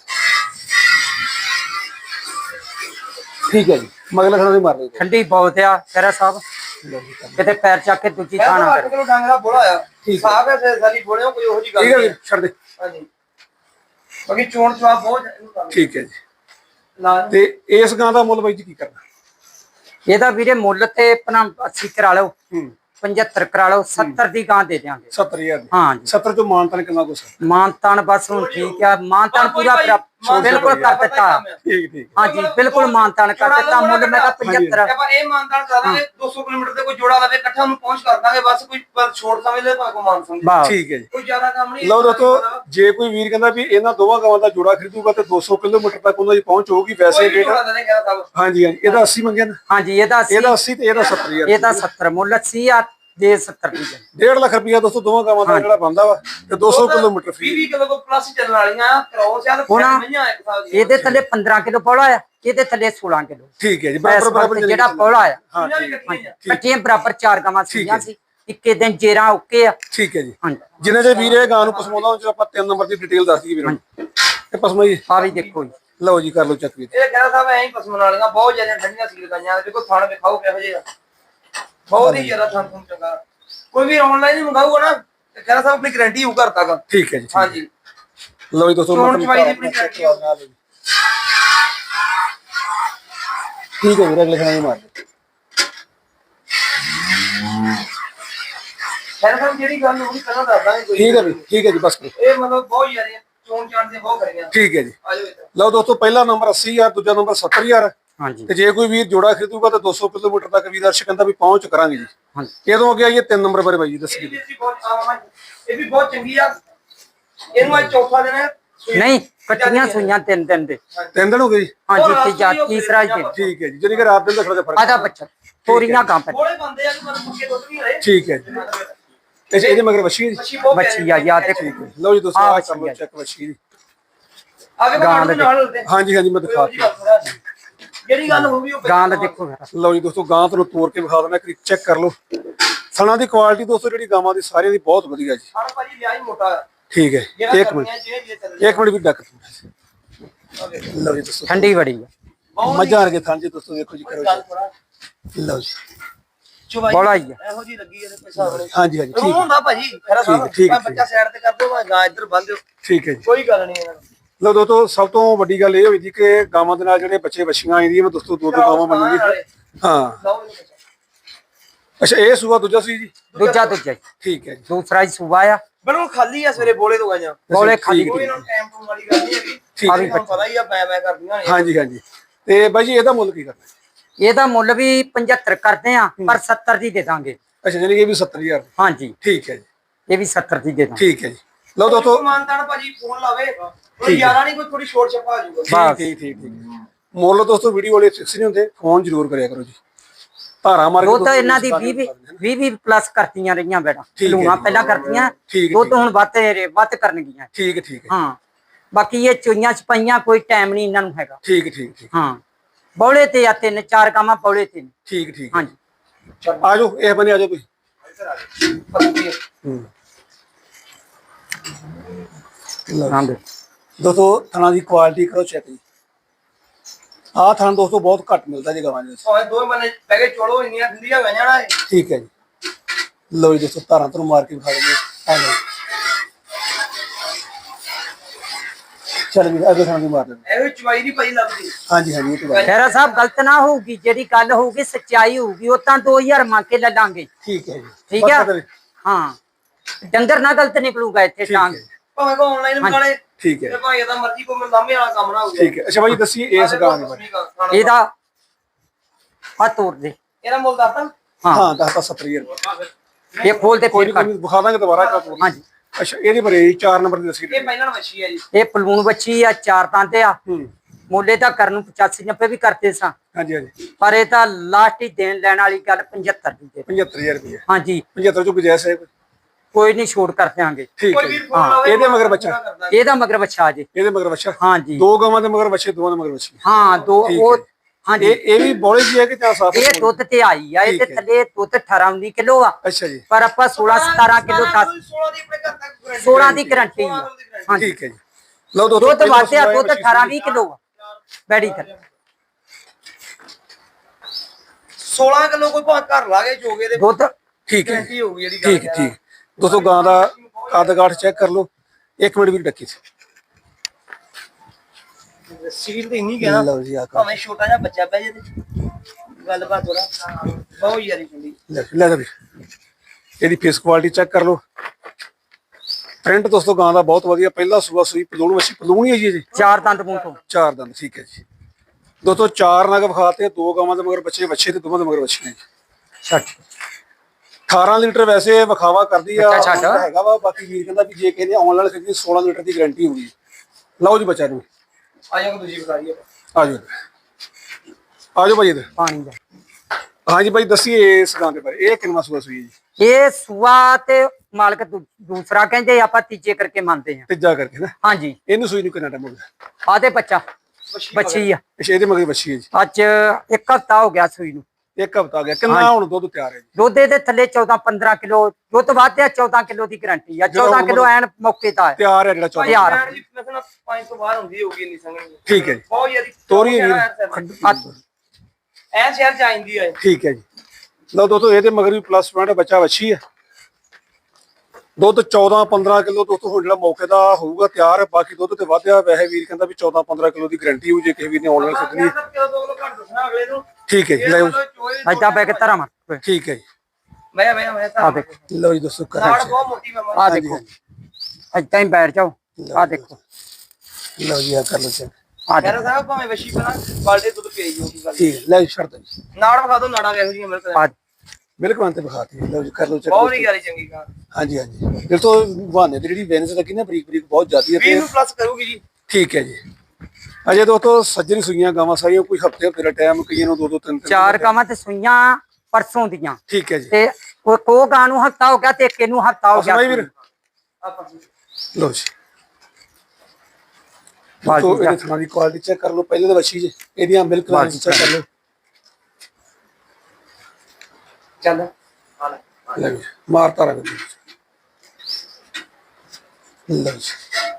Speaker 1: ਠੀਕ ਹੈ ਜੀ। ਮਗਲਾ ਖਾਣਾ ਵੀ ਮਾਰ ਦਿਓ।
Speaker 2: ਠੰਡੀ ਬਹੁਤ ਆ ਤੇਰਾ ਸਾਹਿਬ। ਕਿਤੇ ਪੈਰ ਚੱਕ ਕੇ ਦੂਜੀ ਥਾਂ ਨਾ
Speaker 3: ਅੱਠ ਕਿਲੋ ਡਾਂਗਰਾ ਬੋਲਾ ਆ। ਸਾਫ ਹੈ ਸਾਡੀ ਬੋਲਿਓ ਕੋਈ ਉਹੋ ਜੀ ਗੱਲ
Speaker 1: ਠੀਕ ਹੈ ਜੀ। ਛੱਡ ਦੇ।
Speaker 3: ਹਾਂਜੀ। ਬਾਕੀ ਚੋਣ ਚਵਾ ਬਹੁਤ
Speaker 1: ਠੀਕ ਹੈ ਜੀ। ਤੇ ਇਸ ਗਾਂ ਦਾ ਮੁੱਲ ਬਾਈ ਜੀ ਕੀ ਕਰਨਾ?
Speaker 2: ਇਹਦਾ ਵੀਰੇ ਮੁੱਲ ਤੇ ਆਪਣਾ अस्सी ਕਰਾ ਲਓ,
Speaker 1: ਹੂੰ
Speaker 2: पचहत्तर करा लो, सत्तर की गां दे देंगे।
Speaker 1: सत्तर हजार
Speaker 2: हाँ जी।
Speaker 1: सत्तर चो मानतान कितना कुछ
Speaker 2: मानतान बस हुण ठीक है, मानतान पूरा बिल्कुल कर देता।
Speaker 1: ठीक ठीक
Speaker 2: हाँ जी बिल्कुल मानतान कर देता। मुल मैं का पचहत्तर
Speaker 3: ਆਪਾਂ ਇਹ ਮਾਨਤਾਨ ਕਰ ਦਾਂਗੇ। ਦੋ सौ ਕਿਲੋਮੀਟਰ ਤੇ ਕੋਈ ਜੋੜਾ ਲਵੇ ਇਕੱਠਾ ਨੂੰ ਪਹੁੰਚ ਕਰ ਦਾਂਗੇ। ਬਸ ਕੋਈ ਛੋੜ ਸਮਝ ਲੈ ਭਾਵੇਂ ਕੋਈ ਮਾਨ ਸਮਝ।
Speaker 1: ਠੀਕ ਹੈ ਜੀ।
Speaker 3: ਕੋਈ ਜ਼ਿਆਦਾ ਕੰਮ ਨਹੀਂ।
Speaker 1: ਲਓ ਦੋਸਤੋ ਜੇ ਕੋਈ ਵੀਰ ਕਹਿੰਦਾ ਵੀ ਇਹਨਾਂ ਦੋਵਾਂ ਗਾਵਾਂ ਦਾ ਜੋੜਾ ਖਰੀਦੂਗਾ ਤੇ ਦੋ सौ ਕਿਲੋਮੀਟਰ ਤੱਕ ਉਹਨਾਂ ਦੀ ਪਹੁੰਚ ਹੋਊਗੀ। ਵੈਸੇ ਰੇਟ ਹਾਂਜੀ ਹਾਂਜੀ ਇਹਦਾ अस्सी ਮੰਗਿਆ ਨਾ।
Speaker 2: हाँ जी ਇਹਦਾ
Speaker 1: ਇਹਦਾ अस्सी ਤੇ ਇਹਦਾ सत्तर हजार।
Speaker 2: ਇਹਦਾ सत्तर ਮੁੱਲ अस्सी ਆ। ਦੇ ਸੱਤਰ ਦੀ ਜਾਈ।
Speaker 1: ਡੇਢ ਲੱਖ ਰੁਪਇਆ ਦੋਸਤੋ ਦੋਵਾਂ ਗਾਵਾਂ ਦਾ ਜਿਹੜਾ ਬੰਦਾ ਵਾ ਤੇ ਦੋ ਸੌ ਕਿਲੋਮੀਟਰ
Speaker 3: ਵੀਹ ਵੀਹ ਕਿਲੋ ਤੋਂ ਪਲੱਸ ਚੱਲਣ ਵਾਲੀਆਂ ਕ੍ਰੋਸ ਆ ਤੇ
Speaker 2: ਹੁਣ
Speaker 3: ਮਈਆਂ ਇੱਕ ਸਾਲ ਦੀਆਂ
Speaker 2: ਇਹਦੇ ਥੱਲੇ ਪੰਦਰਾਂ ਕਿਲੋ ਪੌਲਾ ਆ, ਇਹਦੇ ਥੱਲੇ ਸੋਲਾਂ ਕਿਲੋ।
Speaker 1: ਠੀਕ ਹੈ ਜੀ
Speaker 2: ਇਸ
Speaker 1: ਬਰਾਬਰ ਬਰਾਬਰ
Speaker 2: ਵਕਤ ਜਿਹੜਾ ਪੌਲਾ ਆ
Speaker 1: ਹਾਂ
Speaker 3: ਇਹਨਾਂ ਵੀ
Speaker 1: ਠੀਕ
Speaker 3: ਇਕੱਠੀਆਂ ਹੀ ਆ।
Speaker 2: ਕੱਟੀਆਂ ਬਰਾਬਰ ਚਾਰ ਗਾਵਾਂ ਸੀਗੀਆਂ ਸੀ, ਇੱਕੇ ਦਿਨ ਜੇਰਾਂ ਓਕੇ ਆ।
Speaker 1: ਠੀਕ ਹੈ ਜੀ
Speaker 2: ਹਾਂਜੀ
Speaker 1: ਜਿੰਨੇ ਜੇ ਵੀਰੇ ਗਾਂ ਨੂੰ ਪਸਮਾਉਂਦਾ ਉਹਨਾਂ ਚ ਆਪਾਂ ਤਿੰਨ ਨੰਬਰ ਦੀ ਡਿਟੇਲ ਦੱਸ ਦਈਏ ਵੀਰਾਂ ਨੂੰ ਤੇ ਪਸਮਾ ਜੀ
Speaker 2: ਆ ਵੀ ਦੇਖੋ ਜੀ,
Speaker 1: ਲਓ ਜੀ ਕਰ ਲਓ ਚੱਕ ਵੀਰ
Speaker 3: ਇਹ ਕਹਿੰਦਾ ਸਾਹਿਬ ਐਂ ਹੀ ਪਸਮਨ ਵਾਲੀਆਂ ਬਹੁਤ ਜ਼ਿਆਦਾ ਠੰਡੀਆਂ ਸੀ ਲਗਾਈਆਂ ਦੇਖੋ ਥਣ ਵਿਖਾਓ ਕਿਹੋ ਜਿਹੇ ਆ ਬਹੁਤ ਹੀ ਜ਼ਿਆਦਾ ਥਣ ਥਣ ਚੰਗਾ। ਕੋਈ ਵੀ ਆਨਲਾਈਨ ਹੀ ਮੰਗਾਊਗਾ ਨਾ ਤੇ ਕਹਿੰਦਾ ਸਾਹਿਬ ਆਪਣੀ ਗਾਰੰਟੀ ਹੋਊ ਘਰ ਤੱਕ।
Speaker 1: ਠੀਕ ਹੈ ਜੀ
Speaker 3: ਹਾਂਜੀ
Speaker 1: ਲਓ ਜੀ ਦੋਸਤੋ
Speaker 3: ਚੋਣ ਚਵਾਈ ਦੀ ਆਪਣੀ guarantee ਹੋਊ।
Speaker 1: ਠੀਕ ਹੈ ਵੀਰੇ ਅਗਲੇ ਖਾਣੇ ਮਾਰ ਦਿਓ।
Speaker 3: ਕਹਿੰਦਾ ਸਾਹਿਬ ਜਿਹੜੀ ਗੱਲ ਹੋਊਗੀ ਪਹਿਲਾਂ ਦੱਸ ਦਾਂਗੇ ਕੋਈ
Speaker 1: ਠੀਕ ਹੈ ਵੀ ਠੀਕ ਹੈ ਜੀ ਬਸ ਕਰੋ।
Speaker 3: ਇਹ ਮਤਲਬ ਬਹੁਤ ਜ਼ਿਆਦਾ ਚੋਣ ਚਾਣ ਦੇ ਬਹੁਤ ਕਰੀਆਂ।
Speaker 1: ਠੀਕ ਹੈ ਜੀ
Speaker 3: ਆਜੋ ਇੱਧਰ
Speaker 1: ਲਓ ਦੋਸਤੋ ਪਹਿਲਾ ਨੰਬਰ ਅੱਸੀ ਹਜ਼ਾਰ ਦੂਜਾ ਨੰਬਰ ਸੱਤਰ ਹਜ਼ਾਰ
Speaker 2: ਹਾਂਜੀ
Speaker 1: ਤੇ ਜੇ ਕੋਈ ਵੀਰ ਜੋੜਾ ਖਰੀਦੂਗਾ ਤਾਂ ਦੋ ਸੌ ਕਿਲੋਮੀਟਰ ਤੱਕ ਵੀਰ ਦਰਸ਼ਕ ਕਹਿੰਦਾ ਵੀ ਪਹੁੰਚ ਕਰਾਂਗੇ ਜੀ।
Speaker 2: ਹਾਂਜੀ
Speaker 1: ਇਹਦੋਂ ਅੱਗੇ ਆਈਏ ਤਿੰਨ ਨੰਬਰ ਬਾਰੇ ਬਾਈ ਜੀ
Speaker 3: ਇਹ
Speaker 1: ਦੱਸੀ
Speaker 3: ਵੀ ਅਸੀਂ ਬਹੁਤ ਆਮ ਆ, ਇਹ ਵੀ ਬਹੁਤ ਚੰਗੀ ਆ। ਇਹਨੂੰ ਅੱਜ ਚੌਥਾ ਦਿਨ ਹੈ ਸੂਈ-
Speaker 2: ਨਹੀਂ ਕੱਟੀਆਂ ਸੂਈਆਂ ਤਿੰਨ ਦਿਨ ਦੇ।
Speaker 1: ਤਿੰਨ ਦਿਨ ਹੋ ਗਏ ਜੀ
Speaker 2: ਹਾਂਜੀ ਤੀਜਾ ਤੀਸਰਾ ਹੀ ਦਿਨ
Speaker 1: ਠੀਕ ਹੈ ਜੀ ਜਾਨੀ ਕਿ ਰਾਤ ਦਿਨ ਦਾ ਥੋੜਾ ਜਿਹਾ ਫਰਕ
Speaker 2: ਆਦਾ ਬੱਚਾ ਤੋਰੀਆਂ ਗਾਂ ਪਰ
Speaker 3: ਥੋੜੇ ਬੰਦੇ ਆ ਕਿ ਮਤਲਬ ਮੁੱਕੇ ਦੁੱਧ ਨਹੀਂ ਹੋਏ।
Speaker 1: ਠੀਕ ਹੈ ਜੀ ਤੇ ਇਹਦੇ ਮਗਰ ਵਸ਼ੀ ਹੈ ਜੀ
Speaker 3: ਅੱਛੀ ਬਹੁਤ
Speaker 2: ਬੱਚੀ ਆ ਯਾਦ ਤੇ
Speaker 1: ਠੀਕ ਹੈ ਲਓ ਜੀ ਦੋਸਤੋ
Speaker 2: ਆਹ
Speaker 1: ਆਹ
Speaker 2: ਵੱਛੀ
Speaker 1: ਕਰ ਲਓ
Speaker 2: ਹੈ।
Speaker 1: ਚੈੱਕ ਵਸ਼ੀ ਦੀ
Speaker 3: ਆਗੇ
Speaker 2: ਗਾਂ
Speaker 3: ਗਾਂ
Speaker 2: ਦੇ
Speaker 3: ਦੇ ਨਾਲ ਹੁੰਦੇ
Speaker 1: ਹਾਂਜੀ ਹਾਂਜੀ ਮੈਂ ਦਿਖਾ ਦਿੱਤਾ
Speaker 3: ਜਿਹੜੀ ਗੱਲ ਹੋਊਗੀ ਉਹ
Speaker 2: ਗਾਂ ਦਾ ਦੇਖੋ ਫਿਰ।
Speaker 1: ਲਓ ਜੀ ਦੋਸਤੋ ਗਾਂ ਤੁਹਾਨੂੰ ਤੋੜ ਕੇ ਵਿਖਾ ਦਿੰਦਾ ਕਿ ਚੈੱਕ ਕਰ ਲਓ ਸਣਾ ਦੀ ਕੁਆਲਿਟੀ ਦੋਸਤੋ ਜਿਹੜੀ ਗਾਵਾਂ ਦੀ ਸਾਰਿਆਂ ਦੀ ਬਹੁਤ ਵਧੀਆ ਜੀ।
Speaker 3: ਸਾਡਾ ਭਾਜੀ ਲਿਆ ਹੀ ਮੋਟਾ ਆ।
Speaker 1: ਠੀਕ ਹੈ
Speaker 3: ਜਿਹੜਾ
Speaker 1: ਇੱਕ ਮਿੰਟ
Speaker 3: ਕਰਨੀਆਂ ਜਿਹੜੇ ਜਿਹੜੇ ਚੱਲ
Speaker 1: ਇੱਕ ਮਿੰਟ ਵੀ ਡੱਕ ਲਓ ਜੀ ਦੋਸਤੋ
Speaker 2: ਠੰਡੀ ਬੜੀ ਆ
Speaker 1: ਮੱਝਾਂ ਵਰਗੇ ਥਾਂ ਜੀ ਦੋਸਤੋ ਦੇਖੋ ਜੀ ਕਰੋ
Speaker 3: ਗੱਲ
Speaker 1: ਜੀ।
Speaker 3: ਥੋੜਾ
Speaker 1: ਲਓ ਜੀ
Speaker 3: ਚੁਬਾਈ
Speaker 2: ਬੋਲਾ ਹੀ ਆ।
Speaker 3: ਇਹੋ ਜੀ ਲੱਗੀ ਇਹਦੇ ਪੈਸਾ ਬੜੇ
Speaker 1: ਹਾਂਜੀ ਹਾਂਜੀ
Speaker 3: ਰੂਹ
Speaker 1: ਠੀਕ
Speaker 3: ਹੁੰਦਾ ਭਾਜੀ ਖਰਾ ਸਾਹਿਬ
Speaker 1: ਠੀਕ ਹੈ,
Speaker 3: ਮੈਂ ਬੱਚਾ ਸਾਈਡ ਤੇ ਕਰ ਦੋ ਮੈਂ ਗਾਂ ਇੱਧਰ ਬੰਨ ਦਿਓ
Speaker 1: ਠੀਕ ਹੈ ਜੀ
Speaker 3: ਕੋਈ ਗੱਲ ਨਹੀਂ ਇਹਨਾਂ ਨੂੰ
Speaker 1: ਲਓ ਦੋਸਤੋ ਸਭ ਤੋਂ ਵੱਡੀ ਗੱਲ ਇਹ ਹੋਈ ਜੀ ਕਿ ਗਾਵਾਂ ਦੇ ਨਾਲ ਜਿਹੜੇ ਬੱਚੇ ਬੱਚੀਆਂ ਆਈਆਂ ਮੈਂ ਦੋਸਤੋ ਦੋ ਦੋ ਗਾਵਾਂ ਬਣੂਗੀ ਹਾਂ
Speaker 3: ਲਓ ਇਹਨੂੰ ਬੱਚਾ।
Speaker 1: ਅੱਛਾ ਇਹ ਸੂਆ ਦੂਜਾ ਸੀ ਜੀ
Speaker 2: ਦੂਜਾ ਦੂਜਾ ਜੀ।
Speaker 1: ਠੀਕ ਹੈ ਜੀ
Speaker 2: ਦੂਸਰਾ ਹੀ ਸੂਬਾ ਆ
Speaker 3: ਬਿਲਕੁਲ ਖਾਲੀ ਆ ਸਵੇਰੇ ਬੋਲੇ ਤੋਂ ਗਾਈਆਂ
Speaker 2: ਬੋਲੇ ਖਾਲੀ
Speaker 1: ਠੀਕ
Speaker 3: ਕੋਈ ਇਹਨਾਂ ਨੂੰ ਟਾਈਮ ਟੂਮ ਵਾਲੀ ਗੱਲ ਨਹੀਂ ਹੈਗੀ
Speaker 1: ਠੀਕ
Speaker 2: ਆ
Speaker 1: ਹੈ
Speaker 2: ਵੀ
Speaker 3: ਤੁਹਾਨੂੰ ਪਤਾ ਹੀ ਆ ਮੈਂ ਮੈਂ ਕਰਦੀਆਂ ਨੇ
Speaker 1: ਹਾਂਜੀ ਹਾਂਜੀ ਤੇ ਬਾਈ ਜੀ ਇਹਦਾ ਮੁੱਲ ਕੀ ਕਰਨਾ
Speaker 2: ਇਹਦਾ ਮੁੱਲ ਵੀ ਪਝੱਤਰ ਕਰਦੇ ਆ ਪਰ ਸੱਤਰ ਦੀ ਦੇ ਦਾਂਗੇ।
Speaker 1: ਅੱਛਾ ਜਾਨੀ ਕਿ ਇਹ ਵੀ ਸੱਤਰ ਹਜ਼ਾਰ
Speaker 2: ਹਾਂਜੀ
Speaker 1: ਠੀਕ ਹੈ ਜੀ
Speaker 2: ਇਹ ਵੀ ਸੱਤਰ ਦੀ ਦੇ ਦਾਂਗੇ।
Speaker 1: ਠੀਕ ਹੈ ਜੀ ਲਓ ਦੋਸਤੋ
Speaker 3: ਮਾਨਤਾਨ ਭਾਜੀ ਫੋਨ ਲਾਵੇ ਕੋਈ ਯਾਰਾ ਨਹੀਂ ਕੋਈ ਥੋੜੀ ਸ਼ੋਰ ਛੱਪਾ ਆ ਜਾਊਗਾ
Speaker 2: ਬਸ।
Speaker 1: ਠੀਕ ਠੀਕ ਠੀਕ ਮੁੱਲ ਦੋਸਤੋ ਵੀਡੀਓ ਵਾਲੇ ਫਿਕਸ ਨਹੀਂ ਹੁੰਦੇ ਫੋਨ ਜ਼ਰੂਰ ਕਰਿਆ ਕਰੋ ਜੀ ਧਾਰਾ ਮਾਰ ਕੇ
Speaker 2: ਦੁੱਧ
Speaker 1: ਦੋਸਤੋ
Speaker 2: ਇਹਨਾਂ ਦੀ
Speaker 1: ਇਸ
Speaker 2: ਵੀਹ ਵੀਹ ਵੀਹ ਪਲੱਸ ਕਰਤੀਆਂ ਰਹੀਆਂ ਬੇਟਾ
Speaker 1: ਠੀਕ ਹੈ
Speaker 2: ਲੂਣਾ
Speaker 1: ਜੀ।
Speaker 2: ਪਹਿਲਾਂ ਕਰਤੀਆਂ
Speaker 1: ਠੀਕ ਹੈ,
Speaker 2: ਦੁੱਧ ਹੁਣ ਵੱਧ ਵੱਧ ਕਰਨਗੀਆਂ।
Speaker 1: ਠੀਕ ਹੈ ਠੀਕ ਹੈ
Speaker 2: ਹਾਂ ਬਾਕੀ ਇਹ ਚੋਈਆਂ ਚਪਾਈਆਂ ਕੋਈ ਟਾਈਮ ਨਹੀਂ ਇਹਨਾਂ ਨੂੰ ਹੈਗਾ।
Speaker 1: ਠੀਕ ਹੈ, ਠੀਕ ਠੀਕ
Speaker 2: ਹਾਂ ਬੌਲੇ ਤੇ ਆ ਤਿੰਨ ਚਾਰ ਕਾਮਾਂ ਬੌਲੇ ਤੇ ਨੇ।
Speaker 1: ਠੀਕ ਠੀਕ
Speaker 2: ਹਾਂਜੀ
Speaker 1: ਆ ਜਾਓ ਇਹ ਬਣੇ ਆ ਜਾਓ ਤੁਸੀਂ
Speaker 3: ਪੱਕੀ
Speaker 1: ਹੂੰ
Speaker 2: ਹਾਂ ਬੇ
Speaker 1: ਦੋਸਤੋ ਥਣਾ ਦੀ ਕੁਆਲਿਟੀ ਕਰੋ ਚੈੱਕ ਜੀ ਆਹ ਥਣ ਦੋਸਤੋ ਬਹੁਤ ਘੱਟ ਮਿਲਦਾ ਜੀ ਗਾਵਾਂ ਦੇ ਵਿੱਚ।
Speaker 3: ਹੋਏ ਦੋ ਮਹੀਨੇ ਪਹਿਲੇ ਚੋਲੋ ਇੰਨੀਆਂ ਠੰਡੀਆਂ ਗਈਆਂ ਨਾ ਇਹ
Speaker 1: ਠੀਕ ਹੈ ਜੀ ਲਓ ਜੀ ਦੋਸਤੋ ਧਾਰਾਂ ਤੁਹਾਨੂੰ ਮਾਰ ਕੇ ਵਿਖਾ ਦਿੰਦੇ ਆ ਲਓ ਚਲ ਵੀ ਅੱਗੇ ਥਾਂ ਦੀ ਮਾਰ ਦਿੰਦੇ
Speaker 3: ਇਹੋ ਚਵਾਈ ਦੀ ਭਾਈ ਲੱਗਦੀ
Speaker 1: ਹਾਂਜੀ ਹਾਂਜੀ ਇਹ ਤਾਂ ਗੱਲ
Speaker 2: ਖੈਰਾ ਸਾਹਿਬ ਗਲਤ ਨਾ ਹੋਊਗੀ ਜਿਹੜੀ ਗੱਲ ਹੋਊਗੀ ਸੱਚਾਈ ਹੋਊਗੀ ਉਹ ਤਾਂ ਦੋ ਹਜ਼ਾਰ ਮੰਗ ਕੇ ਲੈ ਲਾਂਗੇ।
Speaker 1: ਠੀਕ ਹੈ ਜੀ
Speaker 2: ਠੀਕ
Speaker 1: ਬਸ
Speaker 2: ਹੈ
Speaker 1: ਪਤਾ ਨਹੀਂ।
Speaker 2: ਹਾਂ ਡੰਗਰ ਨਾ ਗਲਤ ਨਿਕਲੂਗਾ ਇੱਥੇ
Speaker 1: ਠੀਕ
Speaker 2: ਟਾਂਗ
Speaker 1: ਹੈ ਜੀ,
Speaker 3: ਭਾਵੇਂ ਕੋ ਆਨਲਾਈਨ ਮੰਗਾਲੇ
Speaker 1: ਠੀਕ
Speaker 3: ਤੇ
Speaker 1: ਹੈ
Speaker 3: ਭਾਵੇਂ ਇਹਦਾ ਮਰਜ਼ੀ ਕੋ ਮੈਂ ਲਾਮੇ ਵਾਲਾ ਕੰਮ ਨਾ ਹੋਊਗਾ
Speaker 1: ਠੀਕ ਹੈ ਅੱਛਾ ਭਾਈ ਦੱਸੀ ਇਸ ਗਾਂ ਦੇ ਬਾਰੇ
Speaker 2: ਇਹਦਾ ਆ ਤੋੜ ਦੇ
Speaker 3: ਇਹਦਾ ਮੁੱਲ ਦੱਸਦਾ
Speaker 2: ਹਾਂ
Speaker 1: ਹਾਂ ਦੱਸਦਾ ਸੱਤਰ ਹਜ਼ਾਰ ਰੁਪਏ
Speaker 2: ਇਹ ਖੋਲ ਦੇ
Speaker 1: ਕੋਈ
Speaker 2: ਫੇਰ
Speaker 1: ਨਹੀਂ
Speaker 2: ਕੱਟ
Speaker 1: ਕੋਈ ਵਿਖਾ ਦਾਂਗੇ ਦੁਬਾਰਾ ਇੱਕ ਵਾਰ।
Speaker 2: ਹਾਂਜੀ
Speaker 1: ਅੱਛਾ ਇਹਦੇ ਬਾਰੇ ਚਾਰ ਨੰਬਰ ਦੀ ਦੱਸੀ
Speaker 3: ਇਹ ਪਹਿਲਾਂ ਮੱਛੀ ਹੈ ਜੀ
Speaker 2: ਇਹ ਪਲੂਣ ਬੱਚੀ ਆ ਚਾਰ ਤਾਂ ਤੇ ਆ
Speaker 1: ਹੂੰ
Speaker 2: ਮੋਲੇ ਤਾਂ ਕਰਨ ਨੂੰ ਪਚਾਸੀ ਨੱਬੇ ਵੀ ਕਰਦੇ ਸਾਂ
Speaker 1: ਹਾਂਜੀ ਹਾਂਜੀ
Speaker 2: ਪਰ ਇਹ ਤਾਂ ਲਾਸਟ ਹੀ ਦੇਣ ਲੈਣ ਵਾਲੀ ਗੱਲ ਪਝੱਤਰ ਦੀ ਦੇ
Speaker 1: ਪਝੱਤਰ ਹਜ਼ਾਰ ਰੁਪਏ
Speaker 2: ਹਾਂਜੀ
Speaker 1: ਪਝੱਤਰ ਚੋਂ ਗੁਜਾਇਸ਼ ਹੈ ਕੋਈ?
Speaker 2: ਕੋਈ ਨਹੀਂ ਛੋੜ ਕਰ ਦਿਆਂਗੇ।
Speaker 1: ਠੀਕ
Speaker 3: ਕੋਈ
Speaker 1: ਹੈ
Speaker 3: ਵੀ
Speaker 1: ਜੀ।
Speaker 3: ਫੋਨ ਲਾਵੇ
Speaker 1: ਇਹਦੇ ਮਗਰ ਬੱਚਾ।
Speaker 3: ਪੂਰਾ ਕਰ ਦਾਂਗੇ।
Speaker 2: ਇਹਦਾ ਮਗਰ ਬੱਚਾ ਜੇ
Speaker 1: ਇਹਦੇ ਮਗਰ ਬੱਚਾ
Speaker 2: ਹਾਂਜੀ
Speaker 1: ਦੋ ਗਾਵਾਂ ਦੇ ਮਗਰ ਬੱਚੇ ਦੋਵਾਂ ਦੇ ਮਗਰ ਬੱਚੇ
Speaker 2: ਹਾਂ ਦੋ
Speaker 1: ਠੀਕ
Speaker 2: ਉਹ
Speaker 1: ਹੈ।
Speaker 2: ਹਾਂਜੀ
Speaker 1: ਇਹ ਇਹ ਵੀ ਬੋਲੇ ਜੀ ਹੈ ਕਿ ਚਾਹ ਸਾਫ
Speaker 2: ਇਹ ਦੁੱਧ ਤੇ ਆਈ ਆ ਇਹਦੇ
Speaker 1: ਠੀਕ ਹੈ।
Speaker 2: ਥੱਲੇ ਦੁੱਧ ਅਠਾਰਾਂ ਉੱਨੀ ਕਿਲੋ ਆ
Speaker 1: ਅੱਛਾ ਜੀ
Speaker 2: ਪਰ ਆਪਾਂ ਸੋਲਾਂ ਸਤਾਰਾਂ ਕਿਲੋ ਦੱਸ
Speaker 3: ਸੋਲਾਂ ਦੀ ਆਪਣੇ ਘਰ ਤੱਕ guarantee
Speaker 2: ਸੋਲਾਂ ਦੀ ਗਰੰਟੀ ਆ ਹਾਂਜੀ
Speaker 1: ਠੀਕ ਹੈ ਜੀ ਲਓ ਦੋਸਤੋ
Speaker 2: ਦੁੱਧ ਵਾਟਿਆ ਦੁੱਧ ਅਠਾਰਾਂ ਵੀਹ ਕਿਲੋ ਆ ਬੈੜੀ ਥੱਲੇ
Speaker 3: ਸੋਲਾਂ ਕਿਲੋ ਕੋਈ ਭਾਵੇਂ ਘਰ ਲਾ ਕੇ ਜੋਗੇ ਦੇ
Speaker 2: ਦੁੱਧ
Speaker 1: ਠੀਕ ਹੈ
Speaker 3: ਗਾਰੰਟੀ ਹੋਊਗੀ ਜਿਹੜੀ ਗੱਲ
Speaker 1: ਠੀਕ ਹੈ ਠੀਕ ਦੋਸਤੋ ਗਾਂ ਦਾ ਕੱਦ ਕਾਠ ਚੈੱਕ ਕਰ ਲਓ ਇੱਕ ਮਿੰਟ ਵੀ ਡੱਕੀ ਸੀ
Speaker 3: ਸੀਲ ਤੇ ਇੰਨੀ ਕਹਿਣਾ
Speaker 1: ਲਓ ਜੀ ਆ
Speaker 3: ਭਾਵੇਂ ਛੋਟਾ ਜਿਹਾ ਬੱਚਾ ਪੈ ਜੇ ਤੇ ਗੱਲਬਾਤ ਥੋੜਾ ਬਹੁਤ ਯਾਰੀ ਚੰਗੀ
Speaker 1: ਲੈ ਲੈ ਵੀ ਇਹਦੀ ਫੇਸ ਕੁਆਲਿਟੀ ਚੈੱਕ ਕਰ ਲਓ ਪ੍ਰਿੰਟ ਦੋਸਤੋ ਗਾਂ ਦਾ ਬਹੁਤ ਵਧੀਆ ਪਹਿਲਾ ਸੂਆ ਸੂਈ ਪਲੂਣ ਮੱਛੀ ਪਲੂਣ ਹੀ ਹੈ ਜੀ ਜੀ
Speaker 2: ਚਾਰ ਦੰਦ ਮੂੰਹ ਤੋਂ
Speaker 1: ਚਾਰ ਦੰਦ ਠੀਕ ਹੈ ਜੀ ਦੋਸਤੋ ਚਾਰ ਨਗ ਵਿਖਾਤੇ ਦੋ ਗਾਵਾਂ ਦੇ ਮਗਰ ਬੱਚੇ ਬੱਚੇ ਤੇ ਦੋਵਾਂ ਦੇ ਮਗਰ ਬੱਚੀਆਂ ਜੀ
Speaker 2: ਛੱਡ
Speaker 1: ਅਠਾਰਾਂ ਲੀਟਰ ਵੈਸੇ ਵਿਖਾਵਾ ਕਰਦੀ ਆ
Speaker 2: ਬੱਚਾ ਛੱਡ।
Speaker 1: ਹੈਗਾ ਵਾ ਬਾਕੀ ਵੀਰ ਕਹਿੰਦਾ ਵੀ ਜੇ ਕਹਿੰਦੇ ਆਉਣ ਵਾਲੇ ਖਰੀਦੀ ਸੋਲਾਂ ਲੀਟਰ ਦੀ ਗਾਰੰਟੀ ਹੋਊਗੀ ਲਓ ਜੀ ਬੱਚਾ ਨੂੰ
Speaker 3: ਆ ਜਾਓ ਦੂਜੀ ਬਤਾ ਦਈਏ
Speaker 1: ਆ ਜਾਓ ਆ ਜਾਓ ਭਾਈ ਇਧਰ
Speaker 2: ਪਾਣੀ ਦਾ
Speaker 1: ਹਾਂਜੀ ਬਾਈ ਦੱਸੀਏ ਇਸ ਗਾਂ ਦੇ ਬਾਰੇ, ਇਹ ਕਿੰਨਾ ਸੂਆ ਸੂਈ ਜੀ?
Speaker 2: ਇਹ ਸੂਆ ਤੇ ਮਾਲਕ ਦੂ- ਦੂਸਰਾ ਕਹਿੰਦੇ, ਆਪਾਂ ਤੀਜੇ ਕਰਕੇ ਮੰਨਦੇ ਆ।
Speaker 1: ਤੀਜਾ ਕਰਕੇ ਨਾ?
Speaker 2: ਹਾਂਜੀ।
Speaker 1: ਇਹਨੂੰ ਸੂਈ ਨੂੰ ਕਿੰਨਾ ਟਾਈਮ ਹੋ ਗਿਆ?
Speaker 2: ਆਦੇ ਬੱਚਾ ਬੱਚੀ ਆ।
Speaker 1: ਅੱਛਾ, ਇਹਦੇ ਮਗਰ ਬੱਚੀ ਹੈ ਜੀ।
Speaker 2: ਅੱਜ ਇੱਕ ਹਫਤਾ ਹੋ ਗਿਆ ਸੂਈ ਨੂੰ।
Speaker 1: ਇੱਕ ਹਫਤਾ ਗਿਆ। ਕਿੰਨਾ ਹੁਣ ਦੁੱਧ ਤਿਆਰ ਹੈ ਜੀ?
Speaker 2: ਦੁੱਧ ਦੇ ਥੱਲੇ ਚੌਦਾਂ ਪੰਦਰਾਂ ਕਿਲੋ ਦੁੱਧ ਵੱਧ ਆ। ਚੌਦਾਂ ਕਿਲੋ ਦੀ ਗਾਰੰਟੀ ਆ। ਚੌਦਾਂ ਕਿਲੋ ਐਨ ਮੌਕੇ ਤਾਂ ਹੈ
Speaker 1: ਤਿਆਰ ਹੈ ਜਿਹੜਾ ਚੌਦਾਂ
Speaker 2: ਤਿਆਰ।
Speaker 3: ਪੰਜ ਤੋਂ ਬਾਹਰ ਹੁੰਦੀ ਹੋਊਗੀ ਇੰਨੀ ਸੰਗਣੀ।
Speaker 1: ਠੀਕ ਹੈ ਜੀ।
Speaker 3: ਬਹੁਤ ਯਾਰੀ
Speaker 1: ਤੋਰੀ ਹੈ
Speaker 3: ਐ ਸ਼ਹਿਰ ਚ ਆਂਦੀ ਹੈ।
Speaker 1: ਠੀਕ ਹੈ ਜੀ। ਲਓ ਦੋਸਤੋ ਇਹਦੇ ਮਗਰ ਵੀ ਪਲੱਸ ਪੁਆਇੰਟ ਬੱਚਾ ਵੱਛੀ ਹੈ। ਦੁੱਧ ਚੌਦਾਂ ਪੰਦਰਾਂ ਕਿਲੋ ਦੋਸਤੋ ਹੁਣ ਜਿਹੜਾ ਮੌਕੇ ਦਾ ਹੋਊਗਾ ਤਿਆਰ। ਬਾਕੀ ਦੁੱਧ ਤੇ ਵਧਿਆ। ਵੈਸੇ ਵੀਰ ਕਹਿੰਦਾ ਵੀ ਚੌਦਾਂ ਪੰਦਰਾਂ ਕਿਲੋ ਦੀ ਗਾਰੰਟੀ ਹੋ ਜੇ ਕਿਸੇ ਵੀਰ ਨੇ ਆਨਲਾਈਨ ਖਰੀਦਣੀ। ਠੀਕ ਹੈ ਜੀ। ਲੈ
Speaker 2: ਐਦਾਂ ਬੈ ਕੇ ਧਰਾ ਮਾਰ।
Speaker 1: ਠੀਕ ਹੈ ਜੀ।
Speaker 3: ਮੈਂ ਮੈਂ ਮੈਂ
Speaker 2: ਆ ਦੇਖੋ।
Speaker 1: ਲਓ ਜੀ ਦੋਸਤੋ
Speaker 3: ਨਾੜ ਬਹੁਤ ਮੋਟੀ ਮੈਂ
Speaker 2: ਆ ਦੇਖੋ ਐਦਾਂ ਹੀ ਬੈਠ ਜਾਓ। ਆ ਦੇਖੋ।
Speaker 1: ਲਓ ਜੀ ਆ ਕਰ ਲਓ ਚੈੱਕ।
Speaker 2: ਆ
Speaker 3: ਯਾਰ
Speaker 2: ਦੇਖੋ।
Speaker 3: ਸਾਹਿਬ ਭਾਵੇਂ ਵਸ਼ੀ ਬਣਾ ਬਾਲਟੇ ਦੁੱਧ ਪੀ ਜੂਗੀ ਗੱਲ।
Speaker 1: ਠੀਕ ਹੈ। ਲੈ ਸ਼ਰਤ ਜੀ।
Speaker 3: ਨਾੜ ਵਿਖਾ ਦੋ ਨਾੜਾਂ ਕਿਹੋ ਜਿਹੀਆਂ ਮਿਲਕ
Speaker 2: ਆ
Speaker 1: ਬਿਲਕੁਲ ਤੇ ਵਿਖਾਤੀ। ਲਓ ਜੀ ਕਰ ਲਓ ਚੈੱਕ।
Speaker 3: ਬਹੁਤ ਹੀ ਯਾਰੀ ਚੰਗੀ ਗਾ।
Speaker 1: ਹਾਂਜੀ ਹਾਂਜੀ। ਦੋਸਤੋ ਬਹਾਨੇ ਤੇ ਜਿਹੜੀ ਵੈਨਸ ਲੱਗੀ ਨਾ ਬਰੀਕ ਬਰੀਕ ਬਹੁਤ ਜ਼ਿਆਦੀ ਹੈ
Speaker 3: ਵੀਹ
Speaker 1: ਤੇ
Speaker 3: ਨੂੰ ਪਲੱਸ ਕਰੂਗੀ ਜੀ।
Speaker 1: ਠੀਕ ਹੈ ਜੀ। ਅਜੇ ਦੋਸਤੋ ਸੱਜਰੀ ਸੂਈਆਂ ਗਾਵਾਂ ਸਾਰੀਆਂ ਕੋਈ ਹਫਤੇ ਹਫਤੇ ਦਾ ਟਾਈਮ, ਕਈਆਂ ਨੂੰ ਦੋ ਦੋ ਤਿੰਨ ਤਿੰਨ
Speaker 2: ਚਾਰ ਗਾਵਾਂ ਤੇ ਸੂਈਆਂ ਪਰਸੋਂ ਦੀਆਂ।
Speaker 1: ਠੀਕ ਹੈ ਜੀ।
Speaker 2: ਤੇ ਕੋਈ ਕੋ ਗਾਂ ਨੂੰ ਹਫਤਾ ਹੋ ਗਿਆ ਤੇ ਇੱਕ ਨੂੰ ਹਫਤਾ ਹੋ ਗਿਆ।
Speaker 1: ਸੁਣਾਈ ਵੀਰ।
Speaker 3: ਆਪਾਂ
Speaker 1: ਲਓ ਜੀ ਤੋ ਇਹਦੇ ਥਣਾ ਦੀ ਕੁਆਲਿਟੀ ਚੈੱਕ ਕਰ ਲਓ। ਪਹਿਲੇ ਤਾਂ ਵੱਛੀ ਜੀ, ਇਹਦੀਆਂ ਮਿਲਕ ਲਾਈਨ ਚੈੱਕ ਕਰ ਲਓ।
Speaker 3: ਚੱਲ ਆ ਲੈ
Speaker 1: ਲੈ ਜੀ ਮਾਰ ਤਾਰਾ ਕਰ ਲਓ ਜੀ।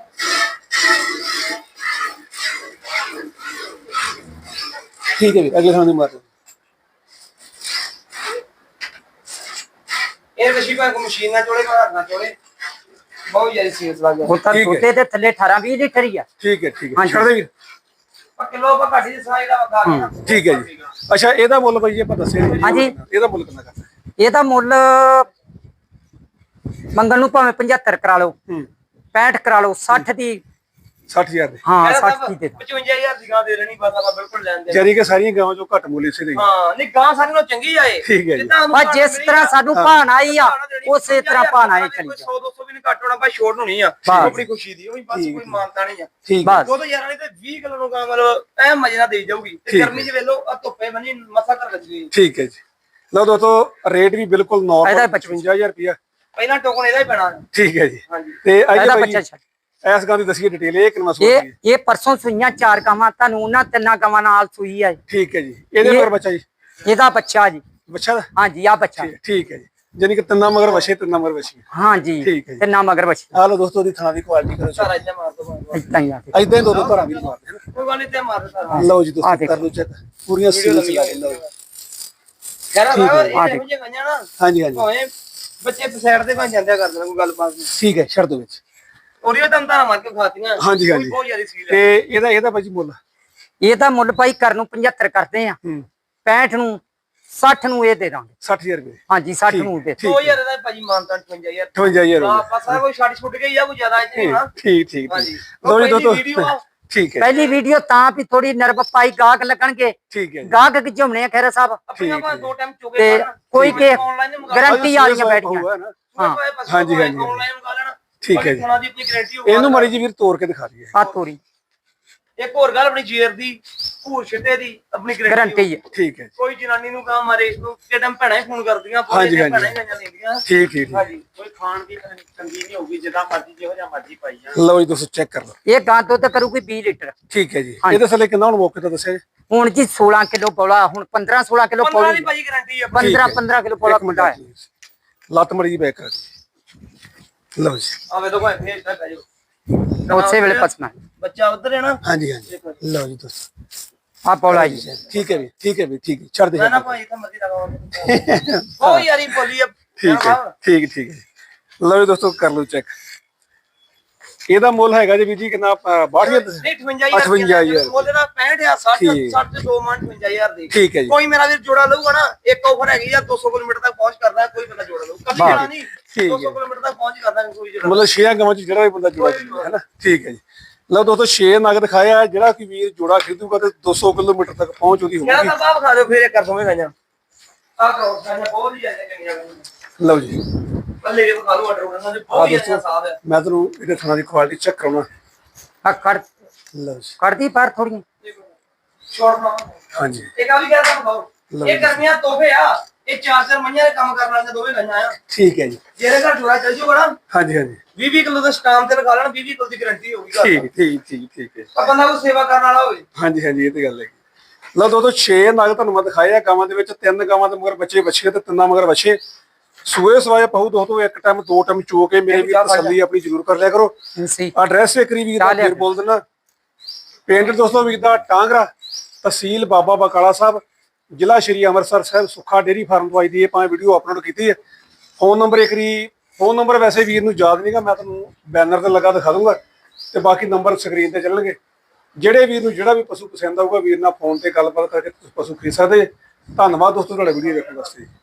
Speaker 1: ਠੀਕ ਹੈ ਜੀ। ਅਗਲੇ ਥਾਂ ਦੀ ਮਾਰ ਦਿਓ।
Speaker 3: ਇਹ ਵਸ਼ੀ ਭਾਵੇਂ ਕੋਈ ਮਸ਼ੀਨ ਨਾਲ ਚੋਲੇ ਭਾਵੇਂ ਹੱਥ ਨਾਲ ਚੋਲੇ ਬਹੁਤ ਯਾਰੀ ਸੀਰੀਅਸ ਲੱਗ ਗਿਆ।
Speaker 2: ਉਹ ਤਾਂ
Speaker 1: ਠੀਕ ਹੈ।
Speaker 2: ਦੁੱਧ ਦੇ ਥੱਲੇ ਅਠਾਰਾਂ ਵੀਹ ਲੀਟਰ ਹੀ ਆ।
Speaker 1: ਠੀਕ ਹੈ ਠੀਕ ਹੈ।
Speaker 2: ਹਾਂਜੀ।
Speaker 1: ਛੱਡ ਦੇ ਵੀਰ।
Speaker 3: ਪਰ ਕਿਲੋ ਆਪਾਂ ਘਾਟੀ ਦੇ ਸਾਹ ਜਿਹੜਾ ਵਗਾ ਗਿਆ।
Speaker 1: ਠੀਕ ਹੈ ਜੀ। ਅੱਛਾ ਇਹਦਾ ਮੁੱਲ ਬਾਈ ਜੀ ਆਪਾਂ ਦੱਸਿਆ ਨੀ ਜੀ।
Speaker 2: ਹਾਂਜੀ।
Speaker 1: ਇਹਦਾ ਮੁੱਲ ਕਿੰਨਾ ਕਰਦਾ?
Speaker 2: ਇਹਦਾ ਮੁੱਲ ਮੰਗਣ ਨੂੰ ਭਾਵੇਂ ਪਝੱਤਰ ਕਰਾ ਲਓ,
Speaker 1: ਹੂੰ
Speaker 2: ਪੈਂਹਠ ਕਰਾ ਲਓ, ਸੱਠ ਦੀ।
Speaker 1: ਸੱਠ ਹਜ਼ਾਰ ਦੇ।
Speaker 2: ਹਾਂ ਸੱਠ ਦੀ ਦੇ ਦਿਓ।
Speaker 3: ਪਚਵੰਜਾ ਹਜ਼ਾਰ ਦੀ ਗਾਂ ਦੇ ਦੇਣੀ ਬਸ ਆਪਾਂ ਬਿਲਕੁਲ ਲੈਣ ਦੇ।
Speaker 1: ਜਾਰੀ ਕਿ ਸਾਰੀਆਂ ਗਾਵਾਂ ਚੋਂ ਘੱਟ ਮੁੱਲ ਇਸੇ ਦੇ।
Speaker 3: ਹਾਂ ਨਹੀਂ ਗਾਂ ਸਾਰੀ ਨੂੰ ਚੰਗੀ ਆਏ।
Speaker 1: ਠੀਕ ਹੈ ਜੀ।
Speaker 2: ਆ ਜਿਸ ਤਰ੍ਹਾਂ ਸਾਨੂੰ ਭਾਣ ਆਈ ਆ ਉਸੇ ਤਰ੍ਹਾਂ ਭਾਣ ਆਈ ਚਲੀ ਜਾ।
Speaker 3: ਸੌ ਦੋ ਸੌ ਵੀ ਨਹੀਂ ਘੱਟ ਹੋਣਾ ਭਾਈ, ਛੋਟ ਨੂੰ ਨਹੀਂ ਆ
Speaker 2: ਬਸ।
Speaker 3: ਆਪਣੀ ਖੁਸ਼ੀ ਦੀ। ਉਹ ਵੀ ਬਸ
Speaker 1: ਠੀਕ
Speaker 3: ਕੋਈ ਮਾਨਤਾ ਨਹੀਂ ਆ।
Speaker 1: ਠੀਕ ਹੈ।
Speaker 2: ਬਸ
Speaker 3: ਦੋ ਯਾਰ ਵਾਲੀ ਤੇ ਵੀਹ ਕਿਲੋ ਨੂੰ ਗਾਂ ਮਤਲਬ ਐ ਮਜੇ ਨਾਲ ਦੇਈ ਜਾਊਗੀ। ਤੇ
Speaker 1: ਠੀਕ
Speaker 3: ਗਰਮੀ 'ਚ ਵੇਲੋ ਆ ਧੁੱਪੇ ਬਣੀ ਮਸਾ ਕਰ ਲੱਗੀ।
Speaker 1: ਠੀਕ ਹੈ ਜੀ। ਲਓ ਦੋਸਤੋ ਰੇਟ ਵੀ ਬਿਲਕੁਲ
Speaker 2: ਇਹਦਾ
Speaker 1: ਨਾਰਮਲ
Speaker 2: ਪਚਵੰਜਾ
Speaker 1: ਪਚਵੰਜਾ ਹਜ਼ਾਰ ਰੁਪਇਆ।
Speaker 3: ਪਹਿਲਾਂ ਟੋਕਨ ਇਹਦਾ ਹੀ ਪੈਣਾ।
Speaker 1: ਠੀਕ ਹੈ ਜੀ।
Speaker 3: ਹਾਂਜੀ
Speaker 1: ਤੇ ਅੱਜ
Speaker 2: ਇਹਦਾ
Speaker 1: ਭਾਈ
Speaker 2: ਬੱਚਾ ਛੱਡ।
Speaker 1: ਇਸ ਗਾਂ ਦੀ ਦੱਸੀਏ ਡਿਟੇਲ। ਇਹ ਕਿੰਨਾ ਸੂਆ
Speaker 2: ਇਹ
Speaker 1: ਸੀ?
Speaker 2: ਇਹ ਪਰਸੋਂ ਸੂਈਆਂ ਚਾਰ ਗਾਵਾਂ, ਤੁਹਾਨੂੰ ਉਹਨਾਂ ਤਿੰਨਾਂ ਗਾਵਾਂ ਨਾਲ ਸੂਈ ਆ।
Speaker 1: ਠੀਕ ਹੈ ਜੀ। ਇਹਦੇ
Speaker 2: ਇਹ-
Speaker 1: ਮਗਰ ਬੱਚਾ ਜੀ?
Speaker 2: ਇਹਦਾ ਬੱਚਾ ਜੀ।
Speaker 1: ਬੱਚਾ ਦਾ?
Speaker 2: ਹਾਂਜੀ ਆ ਬੱਚਾ।
Speaker 1: ਠੀਕ- ਠੀਕ ਹੈ ਜੀ। ਜਾਨੀ ਕਿ ਤਿੰਨਾਂ ਮਗਰ ਵਛੇ ਤਿੰਨਾਂ ਮਗਰ ਵਛੀ।
Speaker 2: ਹਾਂਜੀ
Speaker 1: ਠੀਕ ਹੈ ਜੀ।
Speaker 2: ਤਿੰਨਾਂ ਮਗਰ ਬੱਚਾ।
Speaker 1: ਆ ਲਓ ਦੋਸਤੋ ਦੀ ਥਣਾ ਦੀ ਕੁਆਲਿਟੀ ਕਰੋ
Speaker 3: ਸਾਰਾ ਇੱਥੇ ਮਾਰ ਦੋ ਮਾਰ
Speaker 2: ਇਦਾਂ ਹੀ ਆ।
Speaker 1: ਇਦਾਂ ਹੀ ਦੋ ਦੋ ਘਰਾਂ ਵੀ ਮਾਰਦੇ ਨੇ।
Speaker 3: ਕੋਈ ਗੱਲ ਨਹੀਂ ਤੇ ਮਾਰ ਦੋ ਸਾਰਾ।
Speaker 1: ਲਓ ਜੀ
Speaker 2: ਆਹ
Speaker 1: ਦੋਸਤੋ
Speaker 2: ਦੇਖੋ।
Speaker 1: ਕਰ ਲਓ ਚੈੱਕ। ਪੂਰੀਆਂ ਸੀਰੀਜ਼ ਚਲਾ ਕੇ ਲਓ।
Speaker 3: ਖੈਰ
Speaker 1: ਠੀਕ ਹੈ।
Speaker 3: ਬਾਬਾ
Speaker 2: ਆਹ
Speaker 3: ਇਹ
Speaker 2: ਦੇਖੋ।
Speaker 3: ਹੋ ਜਾਗਾ ਨਾ
Speaker 1: ਹਾਂਜੀ ਹਾਂਜੀ
Speaker 3: ਭਾਵੇਂ ਬੱਚੇ ਸਾਈਡ ਤੇ ਭਾਂ ਜਾਂਦਿਆ ਕਰ ਦੇਣਾ ਕੋਈ ਗੱਲਬਾਤ ਨਹੀਂ।
Speaker 1: ਠੀਕ ਹੈ। ਛੱਡ ਦੋ ਵਿੱਚ।
Speaker 3: ਉਹਰੀਓ ਤਾਂ ਤਾਂ ਮਾਰ ਕੇ ਖਾਤੀਆਂ।
Speaker 1: ਹਾਂਜੀ ਹਾਂਜੀ।
Speaker 3: ਬਹੁਤ ਜ਼ਿਆਦਾ ਸੀਲ ਹੈ।
Speaker 1: ਤੇ ਇਹਦਾ ਇਹਦਾ ਭਾਜੀ ਮੁੱਲ?
Speaker 2: ਇਹਦਾ ਮੁੱਲ ਭਾਈ ਕਰਨ ਨੂੰ ਪਝੱਤਰ ਕਰਦੇ ਆ,
Speaker 1: ਹੂੰ
Speaker 2: ਪੈਂਹਠ ਨੂੰ, ਸੱਠ ਨੂੰ ਇਹ ਦੇ ਦਾਂਗੇ।
Speaker 1: ਸੱਠ ਹਜ਼ਾਰ ਰੁਪਏ।
Speaker 2: ਹਾਂਜੀ ਸੱਠ
Speaker 1: ਠੀਕ-
Speaker 2: ਨੂੰ ਦੇ
Speaker 1: ਠੀਕ।
Speaker 3: ਦੋ ਹਜ਼ਾਰ ਦਾ ਭਾਜੀ ਮਾਨਤਾ ਅਠਵੰਜਾ ਹਜ਼ਾਰ।
Speaker 1: ਅਠਵੰਜਾ ਹਜ਼ਾਰ
Speaker 3: ਹਾਂ
Speaker 1: ਰੁਪਏ।
Speaker 3: ਬਸ ਆ ਕੋਈ ਛੱਡ ਛੁੱਟ ਗਈ ਆ ਕੋਈ ਜ਼ਿਆਦਾ ਇੱਥੇ ਨਹੀਂ ਨਾ।
Speaker 1: ਠੀਕ ਠੀਕ
Speaker 3: ਹਾਂਜੀ।
Speaker 1: ਠੀਕ। ਲਓ ਜੀ ਦੋਸਤੋ
Speaker 3: ਵੀਡੀਓ ਆ
Speaker 1: ਠੀਕ ਹੈ
Speaker 2: ਪਹਿਲੀ ਵੀਡੀਓ ਤਾਂ ਵੀ ਥੋੜੀ ਨਰਵ ਪਾਈ ਗਾਹਕ ਲੱਗਣਗੇ,
Speaker 1: ਠੀਕ ਹੈ ਜੀ।
Speaker 2: ਗਾਹਕ ਗਿਝਮਣੇ ਆ ਖੈਰਾ ਸਾਹਿਬ।
Speaker 3: ਆਪਣੀਆਂ ਆਪਾਂ ਦੋ ਟਾਈਮ ਚੁਗੇ
Speaker 2: ਤੇ ਕੋਈ ਕੇ
Speaker 3: ਆਨਲਾਈਨ ਮੰਗਾ
Speaker 2: ਗਰੰਟੀ ਵਾਲੀਆਂ ਬੈਠੀਆਂ।
Speaker 1: ਹੋਊਗਾ ਨਾ।
Speaker 2: ਹਾਂ।
Speaker 1: ਹਾਂਜੀ, ਹਾਂਜੀ।
Speaker 3: ਆਨਲਾਈਨ ਮੰਗਾ ਲੈਣਾ।
Speaker 1: ਠੀਕ ਹੈ ਜੀ।
Speaker 3: ਉਹਨਾਂ ਦੀ ਆਪਣੀ ਗਾਰੰਟੀ ਹੋਊ।
Speaker 1: ਇਹਨੂੰ ਮਾੜੀ ਜੀ ਵੀਰ ਤੋੜ ਕੇ ਦਿਖਾ ਦਈਏ।
Speaker 2: ਆ ਤੋਰੀ
Speaker 3: ਇੱਕ ਹੋਰ ਗੱਲ ਆਪਣੀ ਜੇਰ ਦੀ ਭੂਰ ਛਿੱਟੇ ਦੀ ਆਪਣੀ
Speaker 2: ਗਰੰਟੀ ਹੈ।
Speaker 1: ਠੀਕ ਹੈ ਜੀ।
Speaker 3: ਕੋਈ ਜਨਾਨੀ ਨੂੰ ਕਹਾਂ ਮਾਰੇ ਨੂੰ ਕਿ ਟਾਈਮ ਭੈਣਾਂ ਹੀ ਫੋਨ ਕਰਦੀਆਂ
Speaker 1: ਹਾਂਜੀ, ਹਾਂਜੀ।
Speaker 3: ਭੈਣਾਂ ਹੀ ਗਾਈਆਂ ਲੈਂਦੀਆਂ।
Speaker 1: ਠੀਕ ਠੀਕ ਠੀਕ।
Speaker 3: ਹਾਂਜੀ ਕੋਈ ਖਾਣ ਦੀ ਤੰਗੀ ਨਹੀਂ ਹੋਊਗੀ ਜਿੱਦਾਂ ਮਰਜ਼ੀ ਜਿਹੋ ਜਿਹਾ ਮਰਜ਼ੀ ਪਾਈ ਜਾਣ।
Speaker 1: ਲਓ ਜੀ ਦੋਸਤੋ ਚੈੱਕ ਕਰ ਲਓ।
Speaker 2: ਇਹ ਗਾਂ ਦੁੱਧ ਕਰੂਗੀ ਵੀਹ ਲੀਟਰ।
Speaker 1: ਠੀਕ ਹੈ ਜੀ।
Speaker 2: ਹਾਂਜੀ।
Speaker 1: ਇਹਦੇ ਥੱਲੇ ਕਿੰਨਾ ਹੁਣ ਮੌਕੇ ਤੋਂ ਦੱਸਿਆ ਜੀ?
Speaker 2: ਹੁਣ ਜੀ ਸੋਲਾਂ ਕਿਲੋ ਪੌਲਾ, ਹੁਣ ਪੰਦਰਾਂ ਸੋਲਾਂ ਕਿਲੋ
Speaker 3: ਪੰਦਰਾਂ
Speaker 2: ਪੌਲੀ,
Speaker 3: ਦੀ ਭਾਜੀ ਗਾਰੰਟੀ ਆ।
Speaker 1: ਠੀਕ
Speaker 2: ਪੰਦਰਾਂ
Speaker 1: ਹੈ।
Speaker 2: ਪੰਦਰਾਂ ਕਿਲੋ ਪੌਲਾ
Speaker 1: ਇੱਕ ਮਿੰਟ
Speaker 2: ਮੁੰਡਾ ਹੈ।
Speaker 1: ਲੱਤ ਮੜੀ ਜੀ ਬੈਕ ਕਰ ਦਿਓ। ਲਓ ਜੀ।
Speaker 3: ਆਵੇ ਦੋ ਭਾਈ ਫੇਰ ਤੱਕ ਆਜੋ।
Speaker 2: ਉਸੇ ਵੇਲੇ ਪਸਣਾ
Speaker 3: ਬੱਚਾ ਉਧਰ ਹੈ ਨਾ।
Speaker 1: ਹਾਂਜੀ ਹਾਂਜੀ। ਲਓ ਜੀ ਦੋਸਤੋ
Speaker 2: ਆ ਪੌਲਾ ਜੀ।
Speaker 1: ਠੀਕ ਹੈ ਵੀ ਠੀਕ ਹੈ ਵੀ ਠੀਕ ਹੈ। ਛੱਡ ਦੇ
Speaker 3: ਨਾ ਨਾ ਭਾਈ ਤਾਂ ਮਰਜ਼ੀ ਲਗਾਓ। ਉਹ ਯਾਰੀ ਬੋਲੀ ਆ।
Speaker 1: ਠੀਕ ਹੈ ਠੀਕ ਠੀਕ ਹੈ। ਲਓ ਜੀ ਦੋਸਤੋ ਕਰ ਲਓ ਚੈੱਕ। ਇਹਦਾ ਮੁੱਲ ਹੈਗਾ ਜੀ ਵੀਰ ਜੀ ਕਿੰਨਾ? ਬਾਹਠ ਹਜ਼ਾਰ।
Speaker 3: ਨਹੀਂ ਅਠਵੰਜਾ ਹਜ਼ਾਰ।
Speaker 1: ਅਠਵੰਜਾ ਹਜ਼ਾਰ।
Speaker 3: ਉਹਦੇ ਨਾਲ ਪੈਂਹਠ ਹਜ਼ਾਰ ਸੱਠ
Speaker 1: ਠੀਕ।
Speaker 3: ਸੱਠ ਤੇ ਦੋ ਮਣ ਅਠਵੰਜਾ ਹਜ਼ਾਰ ਦੀ।
Speaker 1: ਠੀਕ ਹੈ ਜੀ।
Speaker 3: ਕੋਈ ਮੇਰਾ ਵੀਰ ਜੋੜਾ ਲਊਗਾ ਨਾ, ਇੱਕ ਆਫਰ ਹੈਗੀ ਆ ਦੋ ਸੌ ਕਿਲੋਮੀਟਰ ਤੱਕ ਪਹੁੰਚ ਕਰਦਾ ਕੋਈ ਬੰਦਾ ਜੋੜਾ ਲਊ। ਕੱਲੀ ਜਣਾ ਨਹੀਂ
Speaker 1: ਠੀਕ
Speaker 3: ਦੋ
Speaker 1: ਹੈ।
Speaker 3: ਸੌ ਕਿਲੋਮੀਟਰ ਤੱਕ ਪਹੁੰਚ ਕਰਦਾ ਕੋਈ ਜੋੜਾ।
Speaker 1: ਮਤਲਬ ਛੇ ਗਾਵਾਂ ਚ ਜਿਹੜਾ ਵੀ ਬੰਦਾ ਜੋੜਾ ਖਰੀਦਦਾ ਹੈ ਨਾ। ਠੀਕ ਹੈ ਜੀ। ਲਓ ਦੋਸਤੋ ਛੇ ਨਗ ਦਿਖਾਇਆ। ਜਿਹੜਾ ਕਿ ਵੀਰ ਜੋੜਾ ਖਰੀਦੂਗਾ ਤੇ ਦੋ ਸੌ ਕਿਲੋਮੀਟਰ ਤੱਕ ਪਹੁੰਚ ਉਹਦੀ
Speaker 3: ਕਿਹੜਾ
Speaker 1: ਹੋਊਗੀ।
Speaker 3: ਤਾਂ ਬਾਪ ਖਾ ਦਿਓ ਫੇਰ ਇਹ ਕਰ ਦੋਵੇਂ ਗਾਈਆਂ। ਆਹ ਕਰੋ ਗਾਈਆਂ ਬਹੁਤ ਹੀ ਜ਼ਿਆਦਾ ਚੰਗੀਆਂ ਗਾਈਆਂ।
Speaker 1: ਲਓ ਜੀ
Speaker 3: ਬੱਲੇ ਦੇ ਖਾ ਲਓ ਆਰਡਰ ਉਹਨਾਂ ਦੇ
Speaker 1: ਆ
Speaker 3: ਬਹੁਤ ਹੀ
Speaker 1: ਦੋਸਤੋ
Speaker 3: ਅੱਛਾ ਸਾਫ ਹੈ।
Speaker 1: ਮੈਂ ਤੁਹਾਨੂੰ ਇਹਦੇ ਥਣਾ ਦੀ ਕੁਆਲਿਟੀ ਚੈੱਕ ਕਰਾਉਣਾ।
Speaker 2: ਆ ਕਰ
Speaker 1: ਲਓ ਜੀ।
Speaker 2: ਕਰਦੀ ਪਰ ਥੋੜੀ
Speaker 3: ਸ਼ੋਰਟ ਨਾ
Speaker 1: ਹਾਂਜੀ
Speaker 3: ਇੱਕ ਆ ਵੀ ਕਹਿ ਸਕਦਾ ਬਾਬੂ ਇਹ ਗਰਮੀਆਂ ਤੋਹਫੇ ਆ। ਇਹ ਚਾਰ ਚਾਰ ਮਈਆਂ ਦੇ ਕੰਮ ਕਰਨ ਵਾਲੀਆਂ ਦੋਵੇਂ ਗਾਈਆਂ ਆ।
Speaker 1: ਠੀਕ ਹੈ ਜੀ।
Speaker 3: ਜਿਹੜੇ ਘਰ ਜੋੜਾ ਚੱਲ ਜੂਗਾ ਨਾ,
Speaker 1: ਹਾਂਜੀ ਹਾਂਜੀ
Speaker 3: ਵੀਹ ਵੀਹ ਕਿਲੋ ਦਾ ਸਟਾਮ ਤੇ ਲਗਾ ਲੈਣ, ਵੀਹ ਵੀਹ ਕਿਲੋ ਦੀ ਗਾਰੰਟੀ ਹੋਊਗੀ ਘਰ
Speaker 1: ਠੀਕ ਠੀਕ ਠੀਕ ਠੀਕ ਹੈ।
Speaker 3: ਆ ਬੰਦਾ ਕੋਈ ਸੇਵਾ ਕਰਨ ਵਾਲਾ ਹੋਵੇ।
Speaker 1: ਹਾਂਜੀ ਹਾਂਜੀ ਇਹ ਤੇ ਗੱਲ ਹੈ। ਲਓ ਦੋਸਤੋ ਛੇ ਨਗ ਤੁਹਾਨੂੰ ਮੈਂ ਦਿਖਾਏ ਆ ਗਾਵਾਂ ਦੇ ਵਿੱਚ। ਤਿੰਨ ਗਾਵਾਂ ਦੇ ਮਗਰ ਬੱਚੇ ਬੱਚੇ ਤੇ ਤਿੰਨਾਂ ਮਗਰ ਬੱਚੇ ਸੂਏ ਸਵਾਏ ਪਹੂ ਦੋਸਤੋ ਇੱਕ ਟਾਈਮ ਦੋ ਟਾਈਮ ਚੋ ਕੇ ਮੇਰੇ ਵੀ ਤਸੱਲੀ ਆਪਣੀ ਜ਼ਰੂਰ ਕਰ ਲਿਆ ਕਰੋ।
Speaker 2: ਸੀ
Speaker 1: ਐਡਰੈਸ ਇੱਕ ਵਾਰੀ ਵੀਰ ਦਾ ਫੇਰ ਬੋਲ ਦਿੰਦਾ। ਪਿੰਡ ਦੋਸਤੋ ਵੀਰ ਦਾ ਟਾਂਗਰਾ, ਤਹਿਸੀਲ ਬਾਬਾ ਬਕਾਲਾ ਸਾਹਿਬ, ਜ਼ਿਲ੍ਹਾ ਸ਼੍ਰੀ ਅੰਮ੍ਰਿਤਸਰ ਸਾਹਿਬ। ਸੁੱਖਾ ਡੇਅਰੀ ਫਾਰਮ ਤੋਂ ਆਈ ਦੀ ਇਹ ਭਾਵੇਂ ਵੀਡੀਓ ਅਪਲੋਡ ਕੀਤੀ ਹੈ। ਫੋਨ ਨੰਬਰ ਇੱਕ ਵਾਰੀ ਫੋਨ ਨੰਬਰ ਵੈਸੇ ਵੀਰ ਨੂੰ ਯਾਦ ਨਹੀਂਗਾ, ਮੈਂ ਤੁਹਾਨੂੰ ਬੈਨਰ ਤੇ ਲੱਗਾ ਦਿਖਾ ਦੂੰਗਾ ਤੇ ਬਾਕੀ ਨੰਬਰ ਸਕਰੀਨ ਤੇ ਚੱਲਣਗੇ। ਜਿਹੜੇ ਵੀਰ ਨੂੰ ਜਿਹੜਾ ਵੀ ਪਸ਼ੂ ਪਸੰਦ ਆਊਗਾ ਵੀਰ ਨਾਲ ਫੋਨ ਤੇ ਗੱਲਬਾਤ ਕਰਕੇ ਤੁਸੀਂ ਪਸ਼ੂ ਖਰੀਦ ਸਕਦੇ। ਧੰਨਵਾਦ ਦੋਸਤੋ ਤੁਹਾਡਾ ਵੀਡੀਓ ਵੇਖਣ ਵਾਸਤੇ।